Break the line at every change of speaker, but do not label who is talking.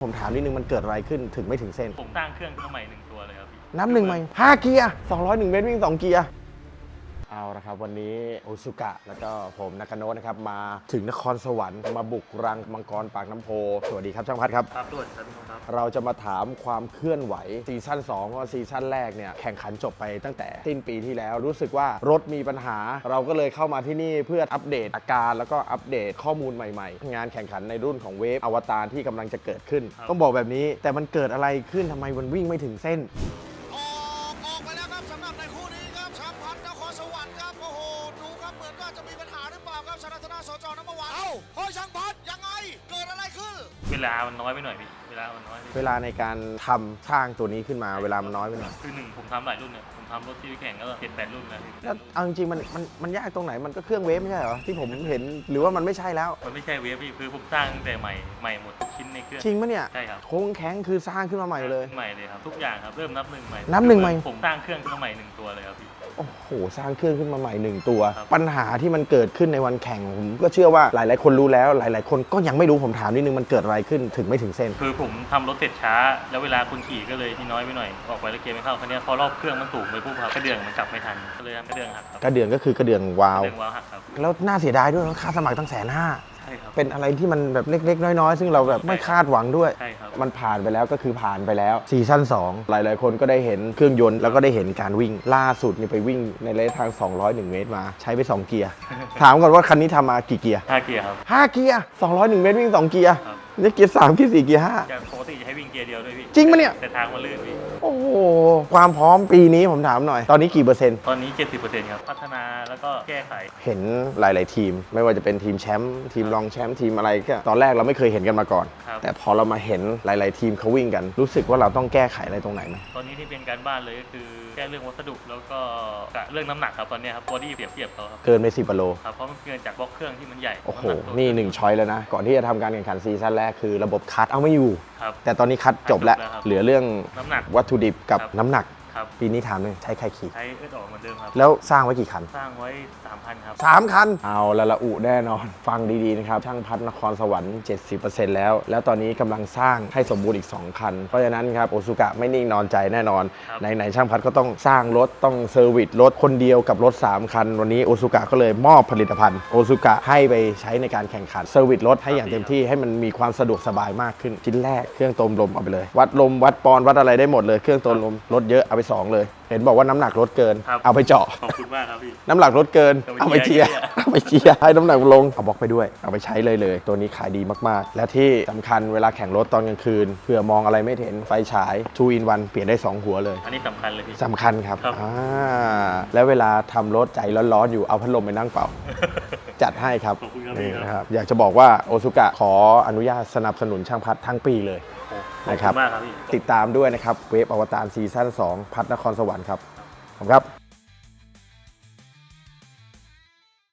ผมถามนิดนึงมันเกิดอะไรขึ้นถึงไม่ถึงเส้น
ผมตั้งเครื่องขึ้นมาใหม่1ตัวเลยครับพี่
น้ำหนึ่งใหม่5 เกียร์201 เมตรวิ่ง2 เกียร์เอาละครับวันนี้โอซุกะแล้วก็ผมนากาโนะนะครับมาถึงนครสวรรค์มาบุกรังมังกรปากน้ำโพสวัสดีครับช่างพัดครับ
ครับด้วยครับพี่ครับ
เราจะมาถามความเคลื่อนไหวซีซั่น2เพราะซีซั่นแรกเนี่ยแข่งขันจบไปตั้งแต่สิ้นปีที่แล้วรู้สึกว่ารถมีปัญหาเราก็เลยเข้ามาที่นี่เพื่ออัปเดตอาการแล้วก็อัปเดตข้อมูลใหม่ๆงานแข่งขันในรุ่นของเวฟอวตารที่กำลังจะเกิดขึ้นต้องบอกแบบนี้แต่มันเกิดอะไรขึ้นทำไมมันวิ่งไม่ถึงเส้น
ออกไปแล้วครับสำหรับในคู่นี้ครับช่างพันนครสวรรค์ครับโอ้โหดูครับเหมือนว่าจะมีปัญหาหรือเปล่าครับชนะธนาสจน้ำวันเอ้าเฮ้ยช่างพันยังไงเกิดอะไรขึ้น
เวลามันน้อยไปหน่อยพี่เวลามันน้อย
เวลาในการทำสร้างตัวนี้ขึ้นมาเวลามันน้อยไปหน่อย
คือ1ผมทำหลายรุ่นเนี่ยผมทำรถที่แข่งก็7-8รุ่นนะพี่
แล้วเอาจริงๆมันยากตรงไหนมันก็เครื่องเวฟไม่ใช่เหรอที่ผมเห็นหรือว่ามันไม่ใช่แล้ว
มันไม่ใช่เวฟพี่คือผมสร้างตั้งแต่ใหม่หมดทุกชิ้นในเครื่อง
จริงปะเนี่ย
ใช่ครับ
โค้งแข็งคือสร้างขึ้นมาใหม่เลย
ใหม่เลยครับทุกอย่างครับเริ่มนับหนึ่งใหม่ผมสร้างเครื่องขึ้นมาใหม่1ตัวเลยครับพี่
โอ้โหสร้างเครื่องขึ้นมาใหม่1ตัวปัญหาที่มันเกิดขึ้นในวันแข่งผมก็เชื่อว่าหลายๆคนรู้แล้วหลายๆคนก็ยังไม่รู้ผมถามนิดนึงมันเกิดอะไรขึ้นถึงไม่ถึงเส้น
คือผมทำรถเสร็จช้าแล้วเวลาคุณขี่ก็เลยที่น้อยไปหน่อยออกไปแล้วเกียร์ไม่เข้าคันนี้พอรอบเครื่องมันสูงไปปุ๊บครับกระเดื่องมันกลับไม่ทันก็เลยทำกระเดื่องหักครับ
กระเดื่องก็คือกระเดื่องวาล์ว
หักครับ
แล้วน่าเสียดายด้วยค่าสมัครตั้ง150,000
ใช่ครับ
เป็นอะไรที่มันแบบเล็กๆน้อยๆซึ่งเราแบบไม่คาดหวังด้วย
ใช่ครับ
มันผ่านไปแล้วก็คือผ่านไปแล้วซีซั่น2หลายๆคนก็ได้เห็นเครื่องยนต์แล้วก็ได้เห็นการวิ่งล่าสุดนี่ไปวิ่งในระยะทาง201 เมตรมาใช้ไป2 เกียร์ถามก่อนว่าคันนี้ทำมากี่เกียร์
5 เกียร์ครับ
5 เกียร์201 เมตรวิ่ง2 เกียร์
ครับ
นี่เกียร์3เกียร์4เกียร์5
ปกติจะให้วิ่งเกียร์เดียวด้วยพี่
จริงปะเนี่ย
แต่ทางมันลื่นพี่
โอ้โหความพร้อมปีนี้ผมถามหน่อยตอนนี้กี่เปอร์เซ็นต์
ตอนนี้ 70%ครับพัฒนาแล้วก็แก้ไข
เห็นหลายๆทีมไม่ว่าจะเป็นทีมแชมป์ทีมรองแชมป์ทีมอะไรก็ตอนแรกเราไม่เคยเห็นกันมาก่อนแต่พอเรามาเห็นหลายๆทีมเขาวิ่งกันรู้สึกว่าเราต้องแก้ไขอะไรตรงไหนไหม
ตอนนี้ที่เป็นการบ้านเลยก็คือแก้เรื่องวัสดุแล้วก็เรื่องน้ำหนักครับตอนนี้ครับบอดี้เปรียบเทียบเขาครับ
เกินไป10 โล
ครับเพราะมันเกินจากบล็อกเครื่องที่มันใหญ่
โอ้โหนี่1ช้อยแล้วนะก่อนที่จะทำการแข่งขันซีซั่นแรกคือระบบคัดเอาไม่อยู่แต่ตอนนี้คัดจบแล้วเหลือเรื่อง
น้ำหนัก
วัตถุดิบกับน้ำหนัก
ครับ
ปีนี้ถามเลยใช้ใครขี่
ใช้เอิร์ธออกเหมือนเดิมครับ
แล้วสร้างไว้กี่คัน
สร้างไว้3 คันครับ
3 คันเอาละอุแน่นอนฟังดีๆนะครับช่างพัฒนครสวรรค์ 70% แล้วตอนนี้กำลังสร้างให้สมบูรณ์อีก2 คันเพราะฉะนั้นครับโอซุกะไม่นิ่งนอนใจแน่นอนไหนช่างพัฒก็ต้องสร้างรถต้องเซอร์วิสรถคนเดียวกับรถ3 คันวันนี้โอซุกะก็เลยมอบผลิตภัณฑ์โอซุกะให้ไปใช้ในการแข่งขันเซอร์วิสรถให้อย่างเต็มที่ให้มันมีความสะดวกสบายมากขึ้นชิ้นแรกเครื่องตมลมเอาไปเลยวัดลมวัดปอนวัดอะไรได้หมดเลยเครื่องตมลมรถเยอะเอาไป2เลยเห็นบอกว่าน้ำหนักรถเกินเอาไปเจาะ
ขอบคุณมากครับพี่
น้ำหนักรถเกินเอาไปเจียให้น้ำหนักลงเอาบล็อกไปด้วยเอาไปใช้เลยตัวนี้ขายดีมากๆและที่สำคัญเวลาแข่งรถตอนกลางคืนเผื่อมองอะไรไม่เห็นไฟฉาย 2 in 1เปลี่ยนได้2 หัวเลย
อันนี้สำคัญเลยพี่
สำคัญครับแล้วเวลาทำรถใจร้อนๆอยู่เอาพัดลมไปนั่งเป่าจัดให้ครับนี่นะครับอยากจะบอกว่าโอซุกะขออนุญาตสนับสนุนช่างพัดทั้งปีเลยนะครับติดตามด้วยนะครับเวฟอวตารซีซั่น2พัฒนครสวรรค์ครับขอบคุณครับ